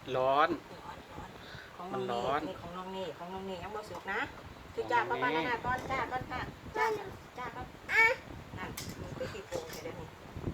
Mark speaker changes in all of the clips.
Speaker 1: ร้อน
Speaker 2: ของ
Speaker 1: มันร้อน
Speaker 2: นี่ของน้องนี่ยังบ่สุกนะคือจ้าป้าๆนะก้อนจ้าก้อนค่ะจ้าก้อนนั่นมันคือขี้โป่งเดี๋ยวนี้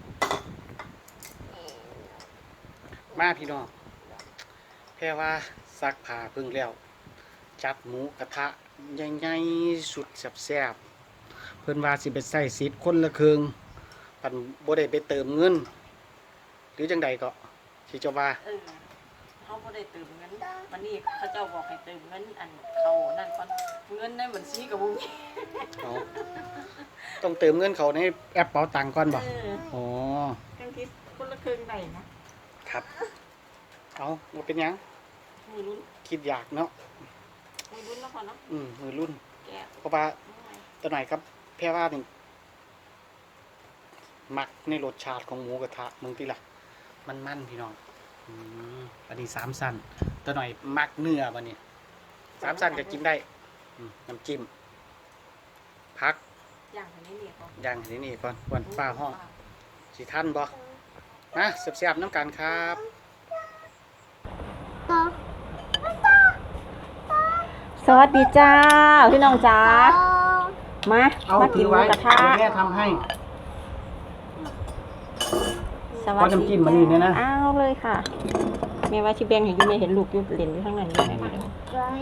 Speaker 1: มาพี่น้องแค่ว่าซักผ้าเพิ่งแล้วจัดหมูกระทะใหญ่ๆสุดแซ่บๆเพิ่นว่าสิไปใส่สิทธิ์คนละครึ่งปันบ่ได้ไปเติมเงินหรือจังใดก็สิเจ้าว่า
Speaker 2: เขาบ่ได้เติมเงินวันนี้เขาเจ้าบอกให้เติมเงินอันเขานั่นก่อนเงินในบัญชีกับบุ้ง
Speaker 1: เอาต้องเติมเงินเขาในแอปเป๋าตังค์ก่อนบ่อ๋อ
Speaker 2: ทั้งที่คนละครึ่งได้นะครับ
Speaker 1: เอาบ่เป็นหยัง
Speaker 2: มือรุ่น
Speaker 1: คิดอยากเนาะ
Speaker 2: มือรุ่นแล้วพอเนาะ
Speaker 1: มือรุ่น
Speaker 2: แกะ
Speaker 1: เพราะว่าตัวไหนครับแพรว่านี่มักในรสชาติของหมูกระทะมึงติล่ะมันพี่น้องอันนี้3 สั้นตัวหน่อยมักเนื้อบัดนี้3 สั้นก็กินได้น้ำจิ้มพัก
Speaker 2: ย่างอันนี้เนี่ยก่อน
Speaker 1: อย่างนี้ก่อนวันป้าห้องสิท่านบ่นะเสียบๆน้ำกันครับ
Speaker 2: สวัสดีจ้าพี่น้องจ้ามากินหมูกระทะ
Speaker 1: แม่ทำให้
Speaker 2: สวัสดี
Speaker 1: น้ำจิ้มมันนี่เนี่ยนะ
Speaker 2: อ้าวเลยค่ะแม่ว่าชิแบงเห็นอยู่ไม่เห็นลูกอยู่เล่นอยู่ข้างในอยู่ไหนไม่รู้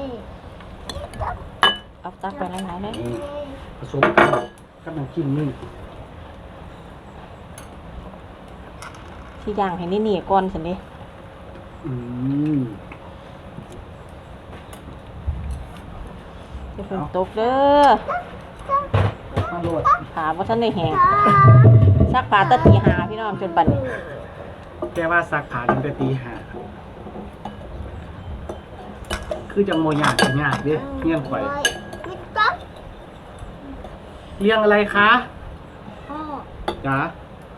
Speaker 2: เอาตักไปหลายๆเลย
Speaker 1: ผสมกันกับน้ำจิ้มนี่
Speaker 2: ที่ย่างให้นี่ก่อนสินี่ จะฝนตกเด้อ
Speaker 1: มาโลด
Speaker 2: ขาว่าท่านได้แหงซักผ้าตะตีหาพี่น้องจนบัดนี้
Speaker 1: แกว่าซักผ้าตั้งแต่ตี 5คือจังโมยากจังยากเด้เลี้ยงไข่เลี้ยงอะไรคะจ๋า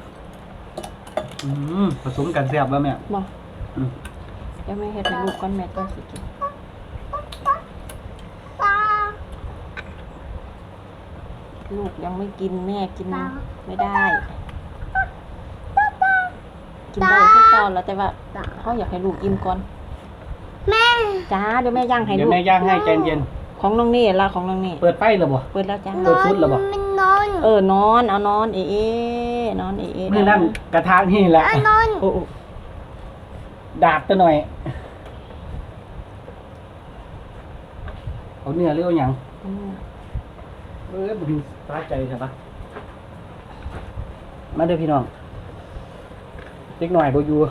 Speaker 1: ผสมกันแซ่บแล้วแม่
Speaker 2: บอกเดี๋ยวแม่เฮ็ดให้ลูกก่อนแม่ต้องสิกินลูกยังไม่กินแม่กินไม่ได้ กินได้แค่ก่อนแล้วแต่ว่าเขาอยากให้ลูกอิ่มก่อนแม่จ้าเดี๋ยวแม่ย่างให้
Speaker 1: เดี๋ย
Speaker 2: ลู
Speaker 1: ว
Speaker 2: ก
Speaker 1: แม่ย่างให้ใจเย็น
Speaker 2: ของน้องนี่ละของน้องนี่
Speaker 1: เปิดไฟแล้วบ่
Speaker 2: เปิดแล้วจ้า
Speaker 1: เปิดชุดแล้วบ่
Speaker 2: นอนเอานอนเอ๊ะนอนเอ๊ะ
Speaker 1: นี่นั่นกระทะนี่แหละโอ้ดาบตัวหน่อยเอาเนื้อหรือเอาหยังบุญตาใจใช่ปะมาเด้อพี่น้องเล็กหน่อยบ่อยู่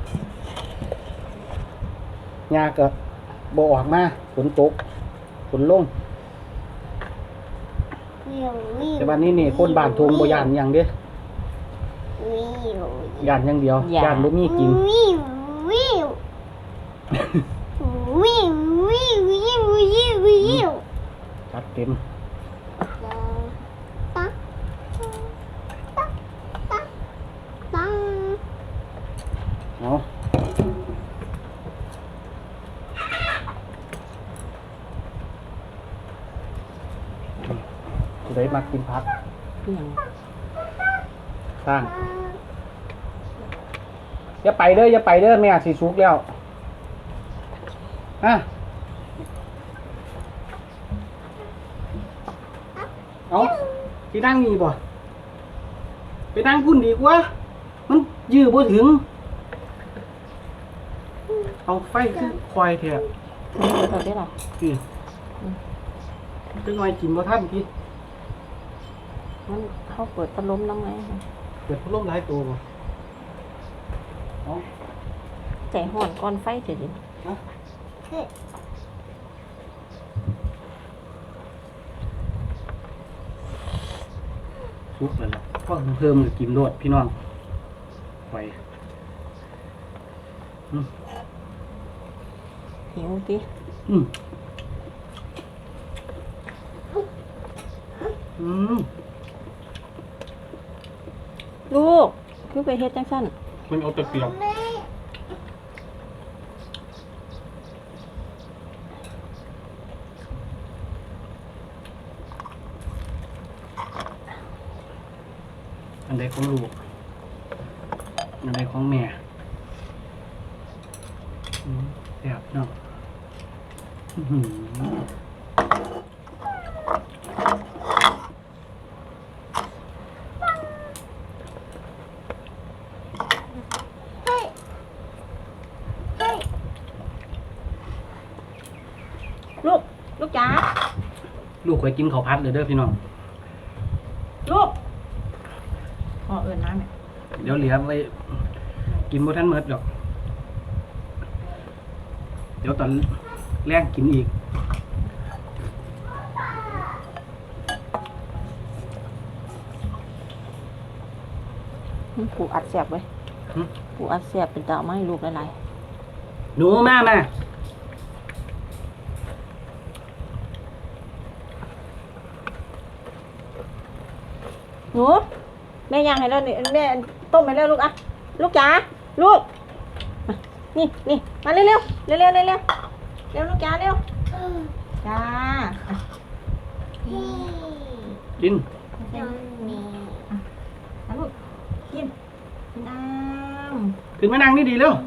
Speaker 1: ยาก็บ่ออกมาฝนตกฝนลงแต่วันนี้นี่คนบ้านทงบ่ย่านหยังเด้ย่านอย่างเดียวย่านบ่มีกินจัดเต็มเอาผู้ใดมักกินผักสร้างอย่าไปเด้อแม่สิสุกแล้วฮะเอาที่นั่งนี่บ่ไปนั่งพุ่นดีกว่ามันยื้อบ่ถึงเอาไฟขึ้นคอยเถอะ
Speaker 2: เดี๋ยวได้หรอ
Speaker 1: จังหน่อยกินบ่ทันพี่
Speaker 2: มันเขาเปิดพัดลมน้ำไง
Speaker 1: เปิดพัดลมหลายตัวบ่เอา
Speaker 2: ใจห่อนก้อนไฟเถิดดิ
Speaker 1: ฮะสุกแล้วล่ะก็เพิ่มกินโลดพี่น้องไป
Speaker 2: หิวดิ ลูกคือไปเฮ็ดจังซั่น
Speaker 1: มันเอาแต่เปรียกอันใดของลูกอันใดของแม่แซ่บเนาะอื้อหือ
Speaker 2: ลูกจ๋า
Speaker 1: ลูกเคยกินข้าวผัดเลยเด้อพี่น้อง
Speaker 2: ลูกพ่อเอิญน้ำเนี่ย
Speaker 1: เดี๋ยวเหลือไว้กินบ่ทันหมดดอก เดี๋ยวตอนแรกกินอีก
Speaker 2: ผูอัดแสบไว้ผูอัดแสบเป็นตาไม้ลูกหลาย
Speaker 1: หนูมามา
Speaker 2: ๆหนูแม่ย่างให้แล้วนี่แม่ต้มให้แล้วลูกอะลูกจ๋าลูกมานี่มาเร็วเร็วเร็วลูกจ๋าเร็วจ้า
Speaker 1: กิน
Speaker 2: เอาลูกกินน้ำ
Speaker 1: ขึ้นมานั่งนี่ดีเร็ว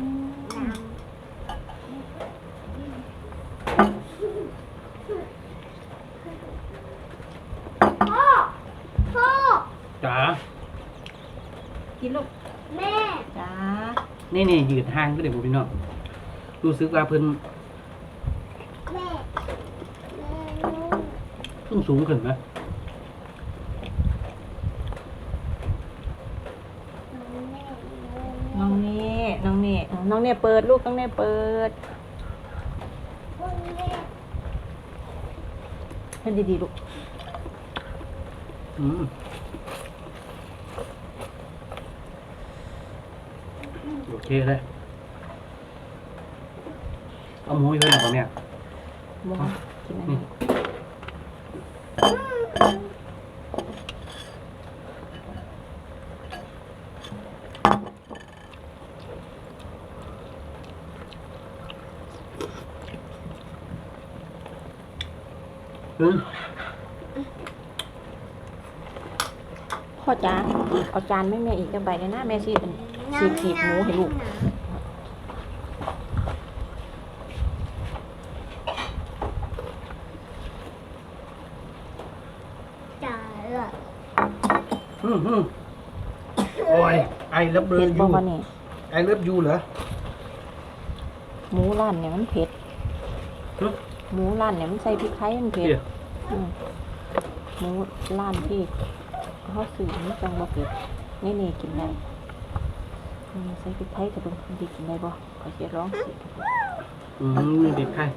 Speaker 1: จ๋า
Speaker 2: กินลูกแม่จ้า
Speaker 1: นี่ยืดห่างก็เดี๋ยวพี่น้องรู้สึกว่าเพิ่นสูงขึ้นไหม
Speaker 2: น้องเน่เปิดลูกน้องเน่เปิดให้ดีๆลูก
Speaker 1: โอเคเลยเอาหมูไปเลยก่อนเนี่ย
Speaker 2: มองกินอันนี้ พ่อจ๋าเอาจานแม่อีกจะใบเลยนะแม่ซีขีดหมูให้ลูก
Speaker 1: โอ้ยไอเลิฟเบอ
Speaker 2: เผ็ด
Speaker 1: ร์
Speaker 2: บ่
Speaker 1: ยู
Speaker 2: วะนี่
Speaker 1: ไอเลิฟยูเหรอ
Speaker 2: หมูร้านเนี่ยมันเผ็ดหมูร้านเนี่ยมันใส่พริกไทยมันเผ็ดหมูร้านที่เขาซื้อมันจังบ่เผ็ดนี่กินได้ใส่พริกไทยกระดูกดีกินได้บ่ขอเสียร้องสิ
Speaker 1: นี่เด็กใคร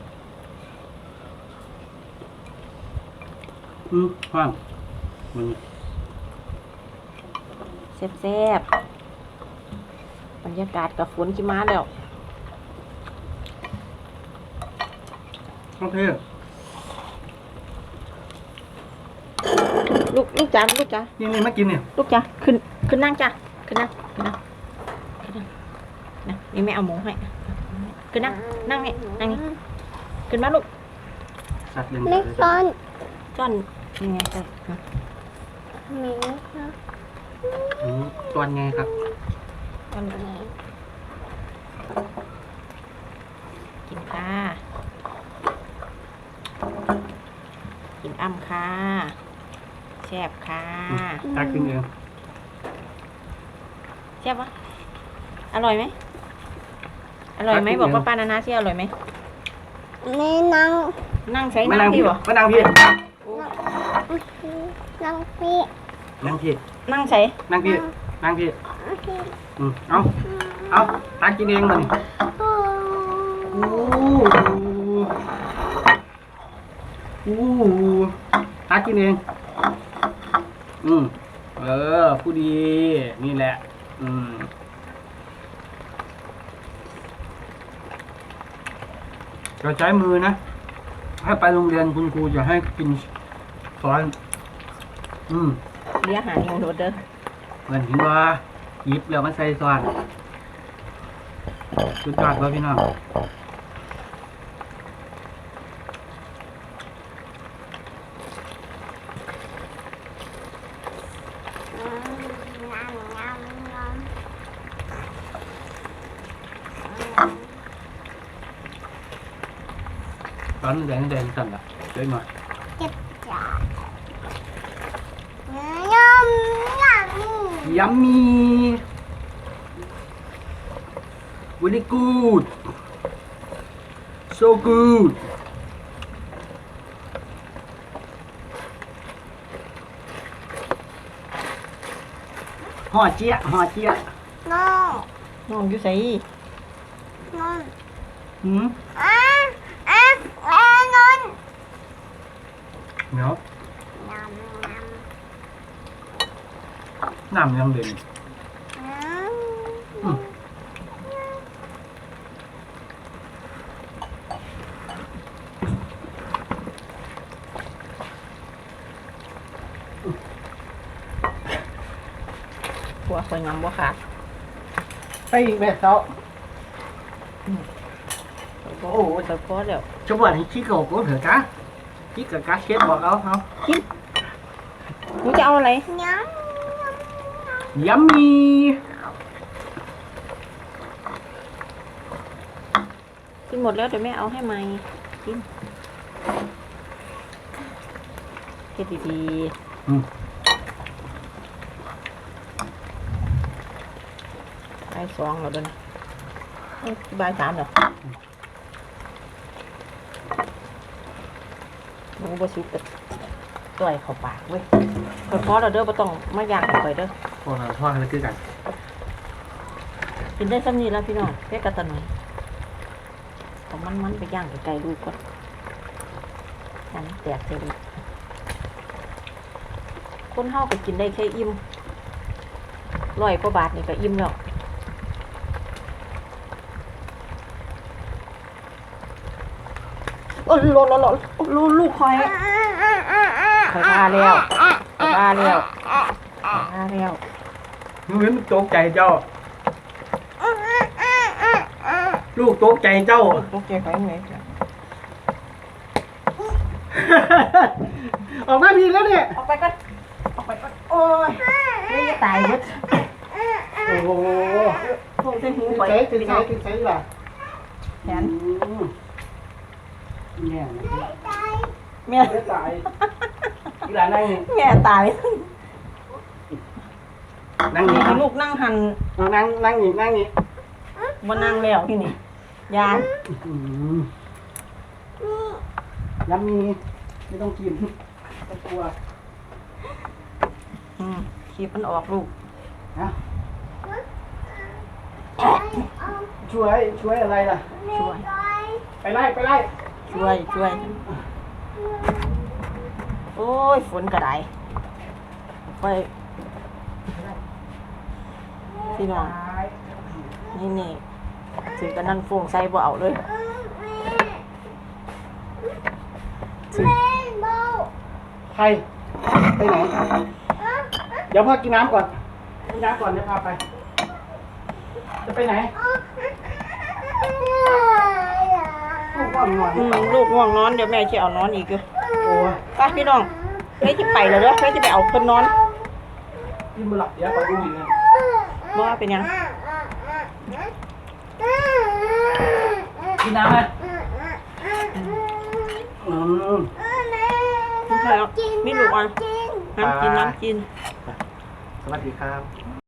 Speaker 1: ว่างมัน
Speaker 2: แซ่บๆบรรยากาศกับฝนกี่มาแล้ว
Speaker 1: โอเค
Speaker 2: ลูกจ๋า
Speaker 1: นี่มากินเนี่ย
Speaker 2: ลูกจ๋าขึ้นนั่งจ้ะขึ้นนั่งนะนี่แม่เอาหมูให้ขึ้นนั่งนี่ขึ้นมาลูก
Speaker 1: สัตว์เลี้ยง
Speaker 3: ไม่ก้อน
Speaker 2: จ้อนยังไงจ้ะ
Speaker 3: มีค่ะ
Speaker 1: ตัวไงครับ
Speaker 2: จ้อนกินค่ะกินอ้ำค่ะแซ่บค่ะ
Speaker 1: ตักกินเอง
Speaker 2: แซ่บปะอร่อยไหมบอกป้านานาสิอร่อยไหม
Speaker 3: ไม่นั่ง
Speaker 2: นั่งใช้
Speaker 1: มา
Speaker 2: นั่
Speaker 1: นั่
Speaker 2: ง
Speaker 1: ง
Speaker 2: ที่
Speaker 1: พี่
Speaker 2: บ่
Speaker 1: มานั่งพี่
Speaker 3: นั่งพี่
Speaker 1: นั่งพี่
Speaker 2: นั่งใช้
Speaker 1: นั่งพี่เอาตักกินเองมานี่ตักกินเองผู้ดีนี่แหละเราใช้มือนะให้ไปโรงเรียนคุณครูจะให้กินสอน
Speaker 2: เลี้ยงอาหารงูโดดเด้อ
Speaker 1: เหมือนเห็นว่าหยิบแล้วมันใส่ซอนสุดยอดว่าพี่น้องตอนแดงสั่นละเล็กหน่อย
Speaker 3: เจ็บจ้ายำ
Speaker 1: yummy very good so good ห่อเจี๊ยะ
Speaker 3: น้อง
Speaker 2: น้องอยู่ไส
Speaker 3: น้อง
Speaker 1: หืม
Speaker 3: นอน
Speaker 1: เนาะ
Speaker 3: น้ำ
Speaker 1: น้ำยังเด่น
Speaker 2: ผัวข่อยงำบ่ขาด
Speaker 1: ไปอีกแม่เจ้า
Speaker 2: โอ้โหแต่พอแล้ว
Speaker 1: cho bạn thì chỉ cầu có thử cá chỉ cả cá chết bọt đâu không
Speaker 2: หนูจะเอาอะไร
Speaker 3: น้
Speaker 1: yummy
Speaker 2: กินหมดแล้วเดี๋ยวแม่เอาให้ใหม่กินเฮ็ดดี
Speaker 1: อืม
Speaker 2: ๆบ่ายสองแล้วเด้อนะเอ้ยบ่ายสามแล้วหนูบ่สุกแต่ต่อยเข้าปากเว้ยพอแล้วเด้อบ่ต้องมาย่างข่อยเด้อ
Speaker 1: hoa là cứ cảnh
Speaker 2: กินได้ซ้ำนี้แล้วพี่น้องแค่กระตันหน่อยเอามันไปย่างไกลๆลูกก่อนอันนี้แตกใส่ลูกคนเฮาก็กินได้แค่อิ่ม100 กว่าบาทนี่ก็อิ่มแล้วโอ้ลูกคอยมาแล้วมาแล้ว
Speaker 1: Nguyễn tốt chạy choลูกตกใจเจ้า
Speaker 2: ตกใจไปไหน
Speaker 1: ออกมาดีแล้วเนี่ย
Speaker 2: ออกไปก่อนโอ้ยไม่จะตายหมด
Speaker 1: โอ้โห
Speaker 2: พวกเส้นหู
Speaker 1: กิน
Speaker 2: ไป
Speaker 1: ใส่กินใส่กินใส่ล่ะ
Speaker 2: แขน
Speaker 1: เนี่ย
Speaker 2: แม่
Speaker 1: ไม่ตายอีหลานนั่ง
Speaker 2: แม่ตาย
Speaker 1: นั่ง
Speaker 2: นี่
Speaker 1: นี่
Speaker 2: ให้ลูกนั่งหัน
Speaker 1: นั่งนี่
Speaker 2: มานั่งแล้วที่นี่ยาน
Speaker 1: ย้ำมีไม่ต้องกินก็กลัว
Speaker 2: ขีบมันออกลูก
Speaker 1: ฮะช่วยอะไรล่ะ
Speaker 2: ช่วย
Speaker 1: ไปไล่
Speaker 2: ช่วยโอ้ยฝนกระไดไปพี่น้องนี่ถึงกันนั่นฟงใส่บ่เอาเลยถึง
Speaker 1: ใครไปไหนเดี๋ยวพ่อกินน้ำก่อนเดี๋ยวพาไปจะไปไหนลูกว่างนอน
Speaker 2: ลูกง่วงนอนเดี๋ยวแม่จะเอานอนอีกอยู่
Speaker 1: โอ้ย
Speaker 2: ไปพี่น้องแม่จะไปแล้วเด้อแม่จะไปเอาคนนอน
Speaker 1: กินมาหลับเดี๋ยวไปดูอีกนะ
Speaker 2: ว่าเป็นยัง
Speaker 1: กินน้ำไหม
Speaker 2: ไม่ใช่หรอกมีลูกอ่ะน้ำกิน
Speaker 1: สวัสดีครับ